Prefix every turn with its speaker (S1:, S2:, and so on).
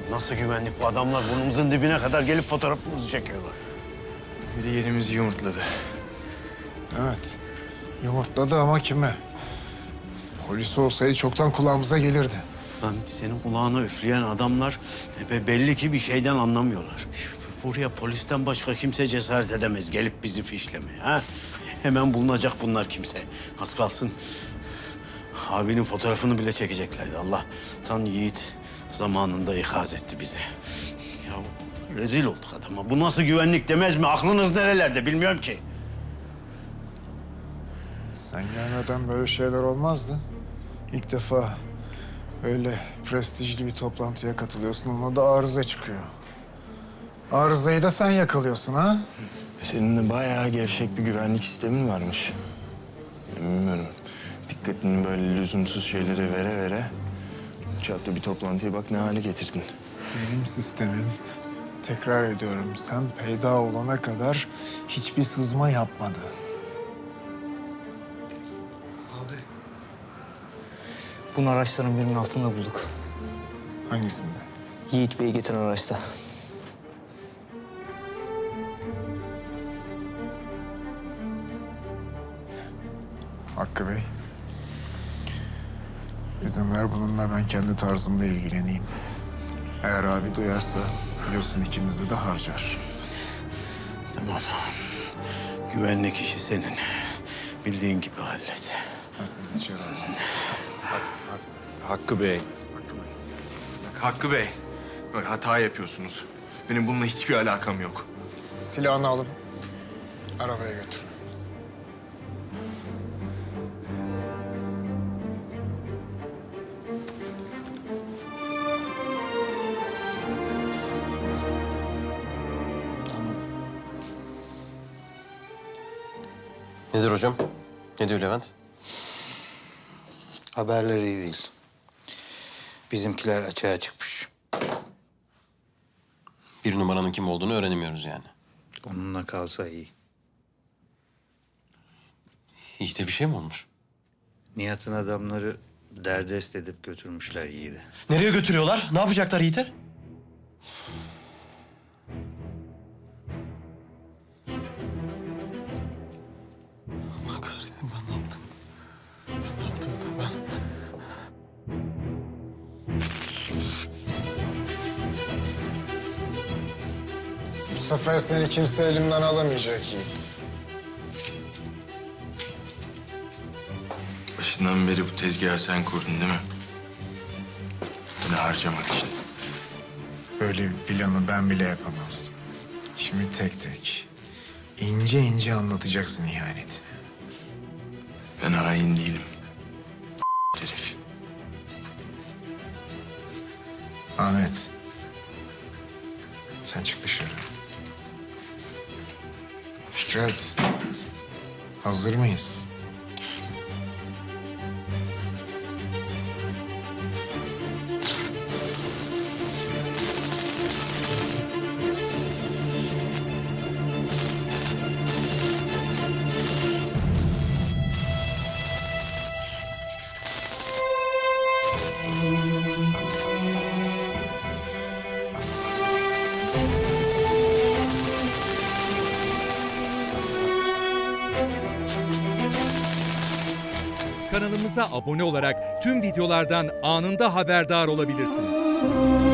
S1: Nasıl güvenlik bu adamlar? Burnumuzun dibine kadar gelip fotoğrafımızı çekiyorlar.
S2: Biri yerimizi yumurtladı.
S3: Evet. Yumurtladı ama kime? Polis olsaydı çoktan kulağımıza gelirdi.
S1: Lan senin kulağına üfleyen adamlar belli ki bir şeyden anlamıyorlar. Buraya polisten başka kimse cesaret edemez gelip bizi fişlemeye. Ha? Hemen bulunacak bunlar kimse. Az kalsın abinin fotoğrafını bile çekeceklerdi. Allah'tan Yiğit zamanında ikaz etti bizi. Ya rezil olduk adama. Bu nasıl güvenlik demez mi? Aklınız nerelerde bilmiyorum ki.
S3: Sen gelmeden böyle şeyler olmazdı. İlk defa öyle prestijli bir toplantıya katılıyorsun. Ona da arıza çıkıyor. Arızayı da sen yakalıyorsun ha?
S2: Senin de bayağı gevşek bir güvenlik sistemin varmış. Bilmiyorum. Dikkatini böyle lüzumsuz şeylere vere çapta bir toplantıya bak ne hale getirdin.
S3: Benim sistemim, tekrar ediyorum, sen peyda olana kadar hiçbir sızma yapmadı.
S4: Bunu araçların birinin altında bulduk.
S3: Hangisinde?
S4: Yiğit Bey'i getiren araçta.
S3: Hakkı Bey. İzin ver bununla ben kendi tarzımda ilgileneyim. Eğer abi duyarsa biliyorsun ikimizi de harcar.
S1: Tamam. Güvenlik işi senin. Bildiğin gibi hallet.
S3: Ben sizi içeri alayım.
S2: Hakkı Bey.
S3: Hakkı Bey.
S2: Bak Hakkı Bey. Bak hata yapıyorsunuz. Benim bununla hiçbir alakam yok.
S3: Silahını alın. Arabaya götürün.
S5: Nedir hocam? Ne diyor Levent?
S6: Haberleri iyi değil. Bizimkiler açığa çıkmış.
S5: Bir numaranın kim olduğunu öğrenemiyoruz yani.
S6: Onunla kalsa iyi.
S5: Yiğit'e bir şey mi olmuş?
S6: Nihat'ın adamları derdest edip götürmüşler Yiğit'i.
S7: Nereye götürüyorlar? Ne yapacaklar Yiğit'e?
S5: Allah kahretsin ben ne yaptım? Ben ne yaptım ben?
S3: Bu sefer seni kimse elimden alamayacak Yiğit.
S2: Başından beri bu tezgahı sen kurdun değil mi? Beni harcamak için.
S3: Böyle bir planı ben bile yapamazdım. Şimdi tek tek, ince ince anlatacaksın ihaneti.
S2: Ben hain değilim. Herif.
S3: Ahmet, sen çık dışarı. Fikret, hazır mıyız?
S8: Kanalımıza abone olarak tüm videolardan anında haberdar olabilirsiniz.